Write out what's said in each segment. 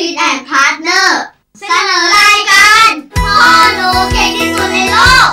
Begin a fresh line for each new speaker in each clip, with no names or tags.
ฟิตแอนด์พาร์ทเนอร์เสนอรายการพ่อหนูเก่งที่สุดในโลก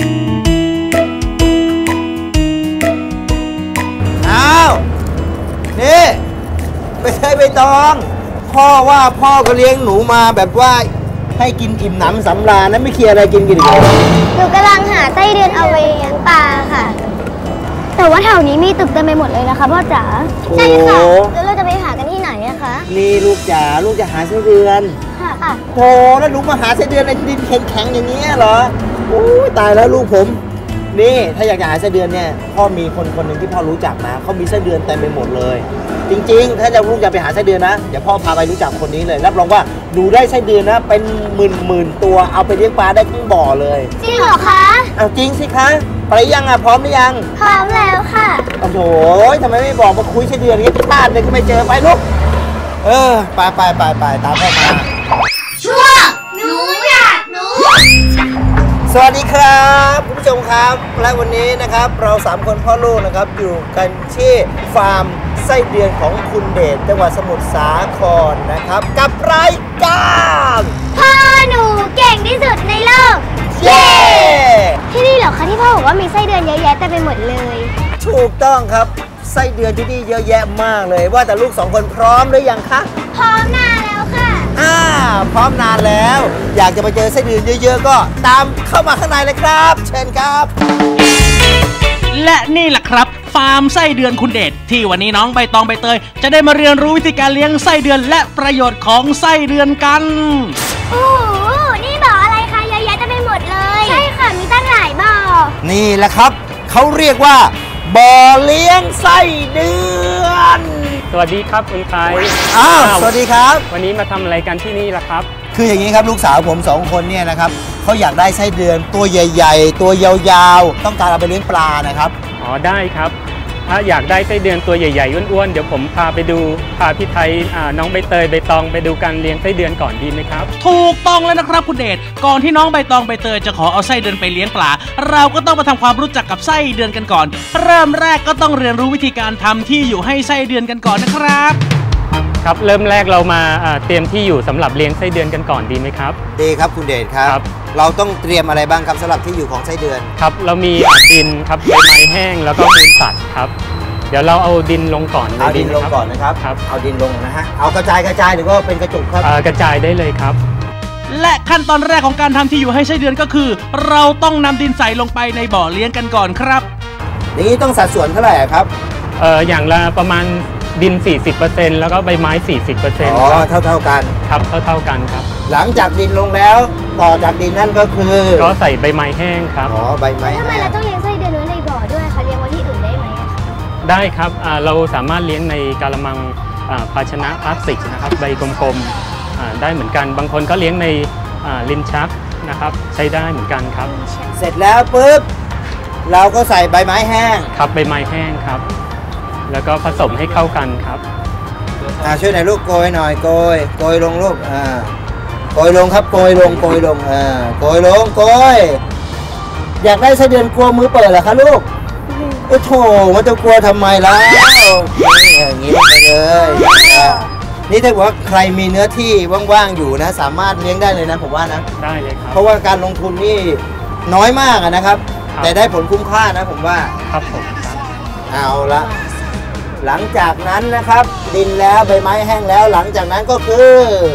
อ้าวนี่ไม่ใช่ใบตองพ่อว่าพ่อก็เลี้ยงหนูมาแบบว่าให้กินอิ่มหนำสำราญนะไม่เคลียร์อะไรกินอีกเลย
หนูกำลังหาไส้เดือนเอาไปเลี้ยงปลาค่ะแต่ว่าแถวนี้มีตึกเต็มไปหมดเลยนะคะพ่อจ๋าใช่ค่ะแล้วเราจะไปหากันที่ไหนอะคะ
นี่ลูกจ๋าลูกจะหาไส้เดือน
ค่ะ
โธ่แล้วลูกมาหาไส้เดือนในดินแข็งๆอย่างนี้เหรอโอ้ยตายแล้วลูกผมนี่ถ้าอยากจะหาไส้เดือนเนี่ยพ่อมีคนหนึ่งที่พ่อรู้จักนะเขามีไส้เดือนเต็มไปหมดเลยจริงๆถ้าลูกจะไปหาไส้เดือนนะเดี๋ยวพ่อพาไปรู้จักคนนี้เลยรับรองว่าหนูได้ไส้เดือนนะเป็นหมื่นตัวเอาไปเลี้ยงปลาได้ทั้งบ่อเลย
จริงเหรอคะ
เอาจริงสิคะไปยังอ่ะพร้อมหรือยัง
พร้อมแล้วค่ะ
โอ้โหทำไมไม่บอกมาคุยไส้เดือนนี้ที่บ้านเลยก็ไม่เจอไปลูกไปตามพ่อมา
ช่วงหนูอยากรู้
สวัสดีครับคุณผู้ชมครับและวันนี้นะครับเรา3คนพ่อลูกนะครับอยู่กันที่ฟาร์มไส้เดือนของคุณเดชจังหวัดสมุทรสาครนะครับกับรายการ
พ่อหนูเก่งที่สุดในโลก
เย้
ที่นี่เหรอคะที่พ่อบอกว่ามีไส้เดือนเยอะแยะเต็มไปหมดเลย
ถูกต้องครับไส้เดือนที่นี่เยอะแยะมากเลยว่าแต่ลูก2คนพร้อมหรือยังคะ
พร้อมนานแล้วค่ะ
พร้อมนานแล้วอยากจะไปเจอไส้เดือนเยอะๆก็ตามเข้ามาข้างในเลยครับเชิญครับ
และนี่แหละครับฟาร์มไส้เดือนคุณเดชที่วันนี้น้องใบตองใบเตยจะได้มาเรียนรู้วิธีการเลี้ยงไส้เดือนและประโยชน์ของไส้เดือนกัน
โอ้โหนี่บ่ออะไรคะเยอะแยะเต็มไปหมดเลยใช่ค่ะมีตั้งหลายบ่อ
นี่แหละครับเขาเรียกว่าบ่อเลี้ยงไส้เดือน
สวัสดีครับคุณไทย
สวัสดีครับ
วันนี้มาทำอะไรกันที่นี่ล่ะครับ
คืออย่างนี้ครับลูกสาวผม2คนเนี่ยนะครับเขาอยากได้ไส้เดือนตัวใหญ่ๆตัวยาวๆต้องการเอาไปเลี้ยงปลานะครับ
อ๋อได้ครับถ้าอยากได้ไส้เดือนตัวใหญ่ๆอ้วนๆเดี๋ยวผมพาพี่ไทยน้องใบเตยใบตองไปดูการเลี้ยงไส้เดือนก่อนดีไหมครับ
ถูกต้องแล้วนะครับคุณเดชก่อนที่น้องใบตองใบเตยจะขอเอาไส้เดือนไปเลี้ยงปลาเราก็ต้องมาทำความรู้จักกับไส้เดือนกันก่อนเริ่มแรกก็ต้องเรียนรู้วิธีการทำที่อยู่ให้ไส้เดือนกันก่อนนะครับ
ครับเริ่มแรกเรามาเตรียมที่อยู่สำหรับเลี้ยงไส้เดือนกันก่อนดีไหมครับ
ดีครับคุณเดชครับเราต้องเตรียมอะไรบ้างครับสำหรับที่อยู่ของไส้เดือน
ครับเรามีดินครับใบไม้แห้งแล้วก็มูลสัตว์ครับเดี๋ยวเราเอาดินลงก่อน
เอาดินลงก่อนนะครับเอาดินลงนะฮะเอากระจายหรือว่าเป็นกระจุกครับ
กระจายได้เลยครับ
และขั้นตอนแรกของการทำที่อยู่ให้ไส้เดือนก็คือเราต้องนำดินใส่ลงไปในบ่อเลี้ยงกันก่อนครับ
นี้ต้องสัดส่วนเท่าไหร่ครับ
อย่างละประมาณดิน 40% แล้วก็ใบไม้ 40%
อ๋อเท่ากัน
ครับเท่ากันครับ
หลังจากดินลงแล้วต่อจากดินนั่นก็คือ
ก็ใส่ใบไม้แห้งครับ
อ๋อใบไม้
ทำไมเราต้องเลี้ยงไส้เดือนไว้ในบ่อด้วยคะเลี้ยงไว้ที่อื่นได้ไหม
ได้ครับเราสามารถเลี้ยงในกะละมังภาชนะพลาสติกนะครับใบกลมๆได้เหมือนกันบางคนก็เลี้ยงในลิ้นชักนะครับใช้ได้เหมือนกันครับ
เสร็จแล้วปุ๊บเราก็ใส่ใบไม้แห้ง
ครับใบไม้แห้งครับแล้วก็ผสมให้เข้ากันครับ
ช่วยหน่อยลูกโกยหน่อยโกยลงลูกโกยลงครับโกยลงโกยลงโกยอยากได้ไส้เดือนกลัวมือเปิดเหรอคะลูกโอ้โถมันจะกลัวทำไมล่ะอย่างนี้ไปเลยนี่ถ้าว่าใครมีเนื้อที่ว่างๆอยู่นะสามารถเลี้ยงได้เลยนะผมว่านะ
ได้เลยครับ
เพราะว่าการลงทุนนี่น้อยมากนะครับแต่ได้ผลคุ้มค่านะผมว่า
ครับผม
เอาละหลังจากนั้นนะครับดินแล้วใบไม้แห้งแล้วหลังจากนั้นก็คือ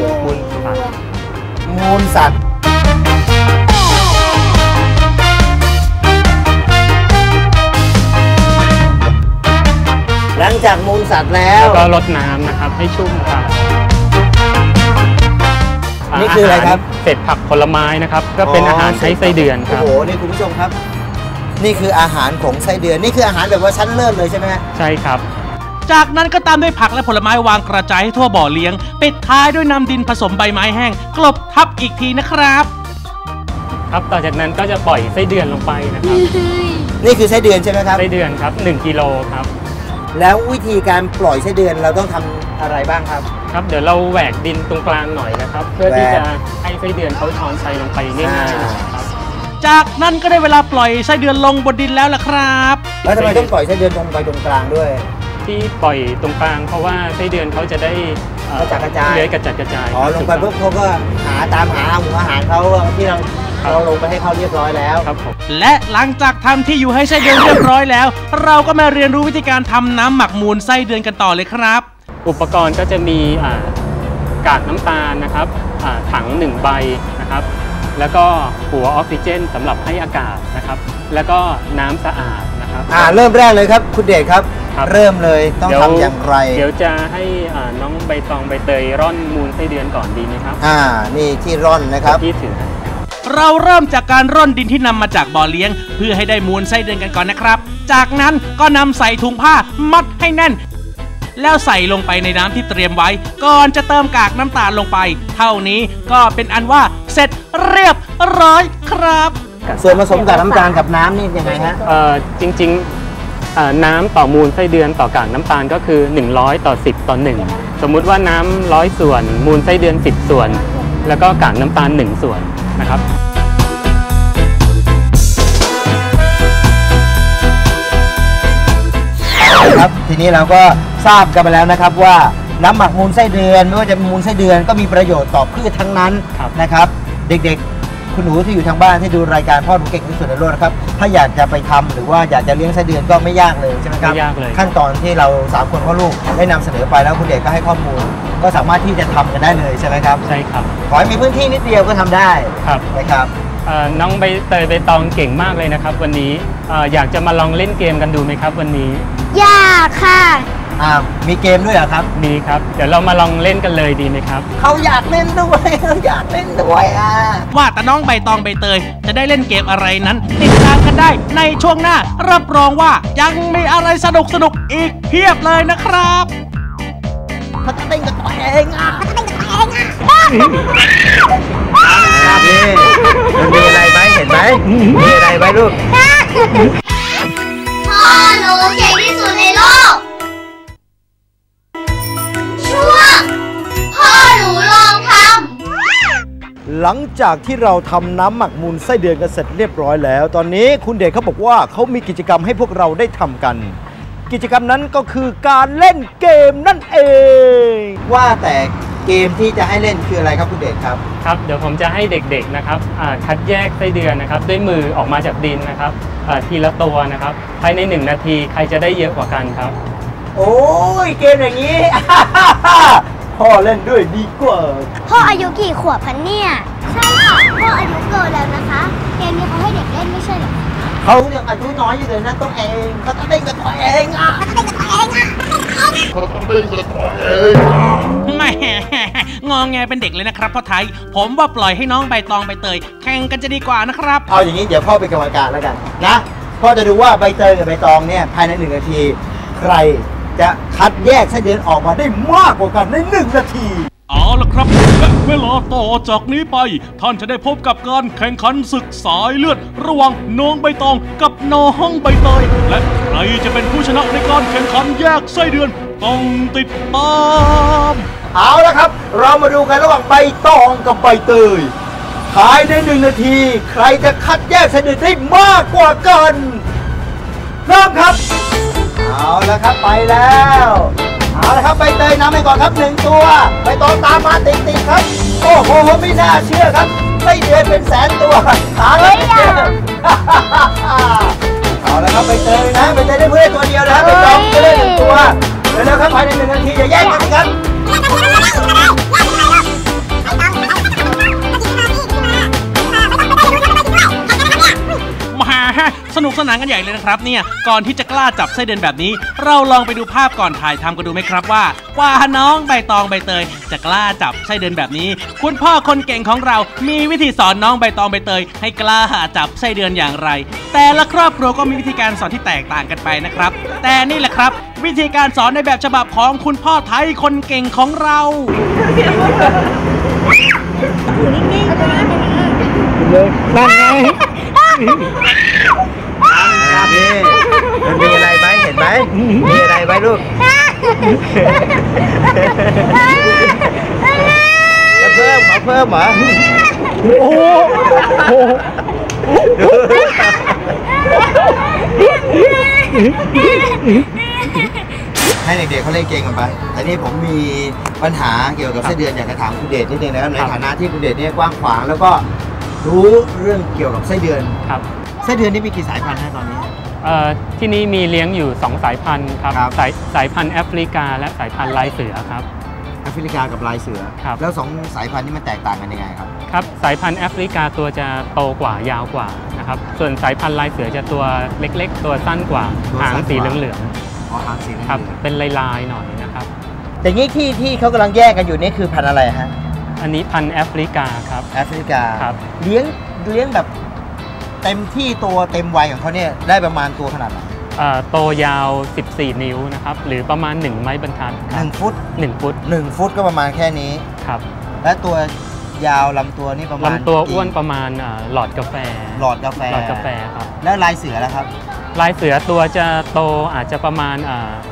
มูลสัตว์หลังจากมูลสัตว์แล้ว
ก็รดน้ำนะครับให้ชุ่มครับ
นี่คืออะไรครับ
เศษผักผลไม้นะครับก็เป็นอาหารให้ไส้เดือนครับ
โอ้โหนี่คุณผู้ชมครับนี่คืออาหารของไส้เดือนนี่คืออาหารแบบว่าชั้นเลิศเลยใช่ไหม
ใช่ครับ
จากนั้นก็ตามด้วยผักและผลไม้วางกระจายให้ทั่วบ่อเลี้ยงปิดท้ายด้วยนำดินผสมใบไม้แห้งกลบทับอีกทีนะครับ
ครับต่อจากนั้นก็จะปล่อยไส้เดือนลงไปนะครับ
นี่คือไส้เดือนใช่ไหมครับ
ไส้เดือนครับ1 กิโลครับ
แล้ววิธีการปล่อยไส้เดือนเราต้องทำอะไรบ้างครับ
ครับเดี๋ยวเราแหวกดินตรงกลางหน่อยนะครับเพื่อที่จะให้ไส้เดือนเขาช้อนชัยลงไปง่ายๆนะครับ
จากนั้นก็ได้เวลาปล่อยไส้เดือนลงบนดินแล้วล่ะครับ
แล้วทำไมต้องปล่อยไส้เดือนตรงไปตรงกลางด้วย
ที่ปล่อยตรงกลางเพราะว่าไส้เดือนเขาจะได้
กระจัดกระจาย
เลื้อยกระจัดกระจาย
อ๋อลงไปปุ๊บเขาก็ตามหาหัวอาหารเขาที่เราลงไปให้เขาเรียบร้อยแล้ว
ครับผม
และหลังจากทำที่อยู่ให้ไส้เดือนเรียบร้อยแล้วเราก็มาเรียนรู้วิธีการทำน้ำหมักมูลไส้เดือนกันต่อเลยครับ
อุปกรณ์ก็จะมีกากน้ำตาลนะครับถัง1ใบนะครับแล้วก็หัวออกซิเจนสำหรับให้อากาศนะครับแล้วก็น้ำสะอาดนะครับ
เริ่มแรกเลยครับคุณเดชครับเริ่มเลยต้องทำอย่างไร
เดี๋ยวจะให้น้องใบตองใบเตยร่อนมูลไส้เดือนก่อนดีไหมครับ
นี่ที่ร่อนนะครับ
ที่ถือ
เราเริ่มจากการร่อนดินที่นำมาจากบ่อเลี้ยงเพื่อให้ได้มูลไส้เดือนกันก่อนนะครับจากนั้นก็นำใส่ถุงผ้ามัดให้แน่นแล้วใส่ลงไปในน้ำที่เตรียมไว้ก่อนจะเติมกากน้ำตาลลงไปเท่านี้ก็เป็นอันว่าเสร็จเรียบร้อยครับ
ส่วนผสมกากน้ำตาลกับน้ำนี่ยังไงฮะ
จริงๆน้ำต่อมูลไส้เดือนต่อกากน้ำตาลก็คือ100ต่อ10ต่อ1สมมุติว่าน้ำ100ส่วนมูลไส้เดือน10ส่วนแล้วก็กากน้ำตาล1ส่วนนะครับ
ครับทีนี้เราก็ทราบกันไปแล้วนะครับว่าน้ำหมักมูลไส้เดือนไม่ว่าจะมูลไส้เดือนก็มีประโยชน์ต่อพืชทั้งนั้นนะครับเด็กๆคุณหนูที่อยู่ทางบ้านที่ดูรายการพ่อหนูเก่งที่สุดในโลกนะครับถ้าอยากจะไปทำหรือว่าอยากจะเลี้ยงไส้เดือนก็ไม่ยากเลยใช่ไหมครับ
ไม่ยากเลย
ขั้นตอนที่เรา3คนพ่อลูกได้นำเสนอไปแล้วคุณเด็กก็ให้ข้อมูลก็สามารถที่จะทำกันได้เลยใช่ไหมครับ
ใช่ครับ
ขอให้มีพื้นที่นิดเดียวก็ทำได้
ครับ
นะครับ
น้องใบเตยใบตองเก่งมากเลยนะครับวันนี้อยากจะมาลองเล่นเกมกันดูไหมครับวันนี้
อยากค่ะ
มีเกมด้วยเหรอครับ
มีครับเดี๋ยวเรามาลองเล่นกันเลยดีไหมครับ
เขาอยากเล่นด้วยเขาอยากเล่นด้วย
ว่าแต่น้องใบตองใบเตยจะได้เล่นเกมอะไรนั้นติดตามกันได้ในช่วงหน้ารับรองว่ายังมีอะไรสนุกอีกเพียบเลยนะครับ
เขาจะเต้นกับตัวเองนี่มันมีอะไรไหมเห็นไหมมีอะไรไหมลูก
พ่อหนูเก่งที่สุดในโลกช่วงพ่อหนูลองทำ
หลังจากที่เราทำน้ำหมักมูลไส้เดือนกันเสร็จเรียบร้อยแล้วตอนนี้คุณเดชเขาบอกว่าเขามีกิจกรรมให้พวกเราได้ทำกันกิจกรรมนั้นก็คือการเล่นเกมนั่นเองว่าแต่เกมที่จะให้เล่นคืออะไรครับคุณเดชครับ
ครับเดี๋ยวผมจะให้เด็กๆนะครับคัดแยกไส้เดือนนะครับด้วยมือออกมาจากดินนะครับทีละตัวนะครับภายใน1 นาทีใครจะได้เยอะกว่ากันครับ
โอ้ยเกมอย่างนี้ พ่อเล่นด้วยดีกว่า
พ่ออายุกี่ขวบพันเนี่ยใช่ค่ะพ่ออายุเกินแล้วนะคะเกมนี้เขาให้เด็กเล่นไม่ใช่หรอ
เขายังอายุน้อยอยู่เลยนะตัวเองเขาต้องเล่นกับตัวเอง
ไม่งองแงเป็นเด็กเลยนะครับพ่อไทยผมว่าปล่อยให้น้องใบตองใบเตยแข่งกันจะดีกว่านะครับ
เอาอย่างนี้เดี๋ยวพ่อเป็นกรรมการแล้วกันนะพ่อจะดูว่าใบเตยกับใบตองเนี่ยภายใน1 นาทีใครจะคัดแยกไส้เดือนออกมาได้มากกว่ากันใน1 นาที
เอาละครับและเวลาต่อจากนี้ไปท่านจะได้พบกับการแข่งขันศึกสายเลือดระหว่างน้องใบตองกับน้องใบเตยและใครจะเป็นผู้ชนะในการแข่งขันแยกไส้เดือนต้องติดตาม
เอาละครับเรามาดูกันระหว่างใบตองกับใบเตยภายใน1 นาทีใครจะคัดแยกไส้เดือนได้มากกว่ากันเริ่มครับเอาละครับไปแล้วเอาละครับใบเตยนำไปก่อนครับ1 ตัวใบตองตามมาติดครับโอ้โหไม่น่าเชื่อครับไส้เดือนเป็นแสนตัวหาเลยเอาละครับใบเตยนะใบเตยได้เพื่อนตัวเดียวนะครับใบตองจะได้1 ตัวแล้วครับภายใน1 นาทีอย่าแย่งกันครับ
สนุกสนานกันใหญ่เลยนะครับเนี่ยก่อนที่จะกล้าจับไส้เดือนแบบนี้เราลองไปดูภาพก่อนถ่ายทำกันดูไหมครับว่ากว่าน้องใบตองใบเตยจะกล้าจับไส้เดือนแบบนี้คุณพ่อคนเก่งของเรามีวิธีสอนน้องใบตองใบเตยให้กล้าจับไส้เดือนอย่างไรแต่ละครอบครัวก็มีวิธีการสอนที่แตกต่างกันไปนะครับแต่นี่แหละครับวิธีการสอนในแบบฉบับของคุณพ่อไทยคนเก่งของเรา
นั่นไงนี่มันมีอะไรไหมเห็นไหมมีอะไรไหมลูกเพิ่มเหรอโอ้โหให้เด็กๆเขาเล่นเกมกันไปแต่นี่ผมมีปัญหาเกี่ยวกับไส้เดือนอยากจะถามคุณเดชนิดนึงนะครับในฐานะที่คุณเดชเนี่ยกว้างขวางแล้วก็รู้เรื่องเกี่ยวกับไส้เดือน
ครับ
ไส้เดือนนี่มีกี่สายพันธุ์นะตอนนี้
ที่นี่มีเลี้ยงอยู่ 2 สายพันธุ์ครับ
ครับ
สายพันธุ์แอฟริกาและสายพันธุ์ลายเสือครับ
แอฟริกากับลายเสือ
ครับ
แล้ว2 สายพันธุ์นี้มันแตกต่างกันยังไงครับ
ครับสายพันธุ์แอฟริกาตัวจะโตกว่ายาวกว่านะครับส่วนสายพันธุ์ลายเสือจะตัวเล็กๆ ตัวสั้นกว่า
ตัว
หาง
สั้นกว่า
สีเหลือง
อ๋อหางสีเหลือง
ๆครับเป็นลายๆหน่อยนะครับ
แต่นี้ที่เขากำลังแยกกันอยู่นี่คือพันธุ์อะไรฮะ
อันนี้พันธุ์แอฟริกาครับ
แอฟริกา
ครับ
เลี้ยงแบบเต็มที่ตัวเต็มวัยของเขาเนี่ยได้ประมาณตัวขนาดไหน
โตยาว 14 นิ้วนะครับหรือประมาณ 1 ไม้บรรทัดครับ
1 ฟุต
1 ฟุต
1 ฟุตก็ประมาณแค่นี้
ครับ
และตัวยาวลำตัวนี่ประมาณ
ลำตัวอ้วน
กี่
ประมาณหลอดกาแฟ
หลอดกาแฟ
หลอดกาแฟครับ
แล้วลายเสือแล้วครับ
ลายเสือตัวจะโตอาจจะประมาณ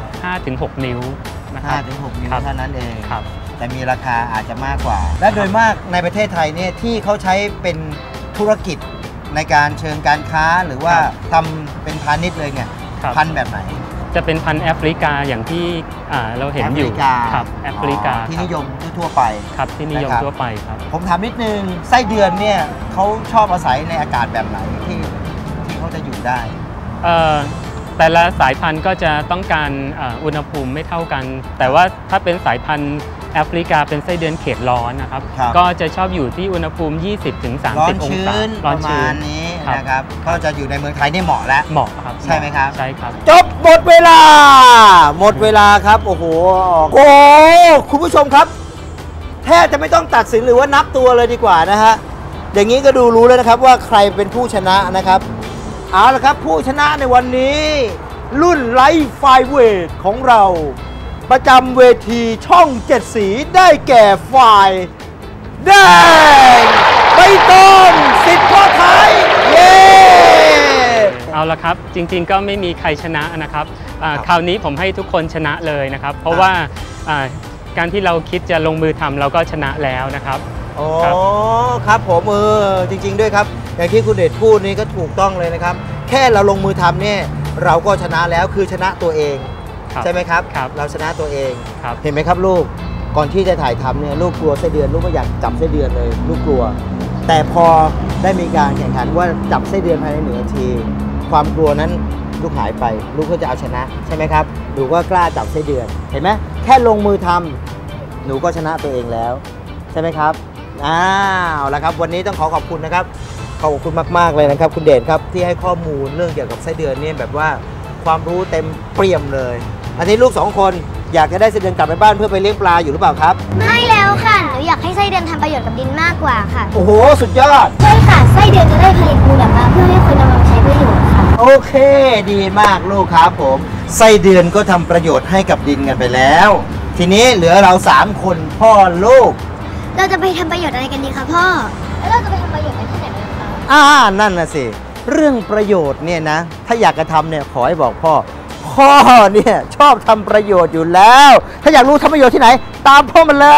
5-6 นิ้วนะครับ
5-6 นิ้ว
ครับ
เท่านั้นเอง
ครับ
แต่มีราคาอาจจะมากกว่า และโดยมากในประเทศไทยเนี่ยที่เขาใช้เป็นธุรกิจในการเชิงการค้าหรือว่าทำเป็นพาณิชย์เลยเนี่ย
ครับ
พันธุ์แบบไหน
จะเป็นพันธุ์แอฟริกาอย่างที่เราเห็นอยู่
แอฟริกา
ครับแอฟริกา
ที่
ครับ
นิยมทั่วๆไป
ครับที่นิยม
นะครับ
ทั่วไปครับ
ผมถามนิดนึงไส้เดือนเนี่ยเขาชอบอาศัยในอากาศแบบไหนที่เขาจะอยู่ได้
แต่ละสายพันธุ์ก็จะต้องการอุณหภูมิไม่เท่ากัน แต่ว่าถ้าเป็นสายพันธุ์แอฟริกาเป็นไส้เดือนเขตร้อนนะครับ
ครับ
ก็จะชอบอยู่ที่อุณหภูมิ 20-30
ร้อน
อง
ชื้
ศาน
ประมาณนี้นะครับก็จะอยู่ในเมืองไทยนี่เหมาะแล้ว
เหมาะครับ
ใช่ไหมครับ
ใช่ครับ
จบหมดเวลา หมดเวลาครับโอ้โหคุณผู้ชมครับแทบจะไม่ต้องตัดสินหรือว่านับตัวเลยดีกว่านะฮะอย่างนี้ก็ดูรู้แล้วนะครับว่าใครเป็นผู้ชนะนะครับเอาละครับผู้ชนะในวันนี้ รุ่นไลท์ไฟเวทของเราประจำเวทีช่อง7สีได้แก่ฝ่ายแดงใบตองสิทธิ์พ่อไทยเย้
เอาละครับจริงๆก็ไม่มีใครชนะนะครับคราวนี้ผมให้ทุกคนชนะเลยนะครับ เพราะว่าการที่เราคิดจะลงมือทำเราก็ชนะแล้วนะครับ
อ๋อ
ครับ
ครับผมจริงๆด้วยครับอย่างที่คุณเดชพูดนี่ก็ถูกต้องเลยนะครับ แค่เราลงมือทำเนี่ยเราก็ชนะแล้วคือชนะตัวเอง
ครับ
ใช่ไหมครับ
ครับ
เราชนะตัวเอง
ครับ
เห็นไหมครับลูกก่อนที่จะถ่ายทำเนี่ยลูกกลัวไส้เดือนลูกก็อยากจับไส้เดือนเลยลูกกลัว แต่พอได้มีการแข่งขันว่าจับไส้เดือนภายใน1 นาที ความกลัวนั้นลูกหายไปลูกก็จะเอาชนะใช่ไหมครับหนูก็กล้าจับไส้เดือนเห็นไหมแค่ลงมือทำหนูก็ชนะตัวเองแล้วใช่ไหมครับเอาละครับวันนี้ต้องขอบคุณนะครับขอบคุณมากๆเลยนะครับคุณเดชครับที่ให้ข้อมูลเรื่องเกี่ยวกับไส้เดือนเนี่ยแบบว่าความรู้เต็มเปี่ยมเลยอันนี้ลูก2 คนอยากจะได้ไส้เดือนกลับไปบ้านเพื่อไปเลี้ยงปลาอยู่หรือเปล่าครับ
ไม่แล้วค่ะหนูอยากให้ไส้เดือนทำประโยชน์กับดินมากกว่าค่ะ
โอ้โหสุดยอด
ใช่ค่ะไส้เดือนจะได้ผลิตมูลออกมาเพื่อให้คนนำมาใช้ประโยชน์ค่ะ
โอเคดีมากลูกครับผมไส้เดือนก็ทำประโยชน์ให้กับดินกันไปแล้ว ทีนี้เหลือเรา3 คนพ่อลูก
เราจะไปทำประโยชน์อะไรกันดีคะพ่อ แล้วเราจะไปทำประโยชน์กันที่ไหนกันคะ
นั่นน่ะสิเรื่องประโยชน์เนี่ยนะถ้าอยากจะทำเนี่ยขอให้บอกพ่อเนี่ยชอบทำประโยชน์อยู่แล้ว ถ้าอยากรู้ทำประโยชน์ที่ไหน ตามพ่อมาเลย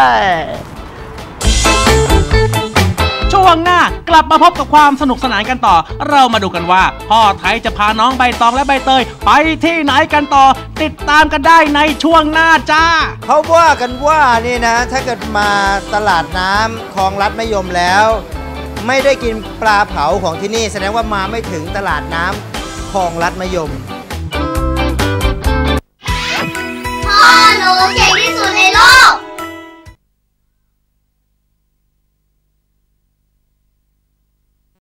ช่วงหน้ากลับมาพบกับความสนุกสนานกันต่อ เรามาดูกันว่าพ่อไทยจะพาน้องใบตองและใบเตยไปที่ไหนกันต่อ ติดตามกันได้ในช่วงหน้าจ้า
เขาว่ากันว่านี่นะถ้าเกิดมาตลาดน้ำคลองลัดมะยมแล้ว ไม่ได้กินปลาเผาของที่นี่แสดงว่ามาไม่ถึงตลาดน้ำคลองลัดมะยม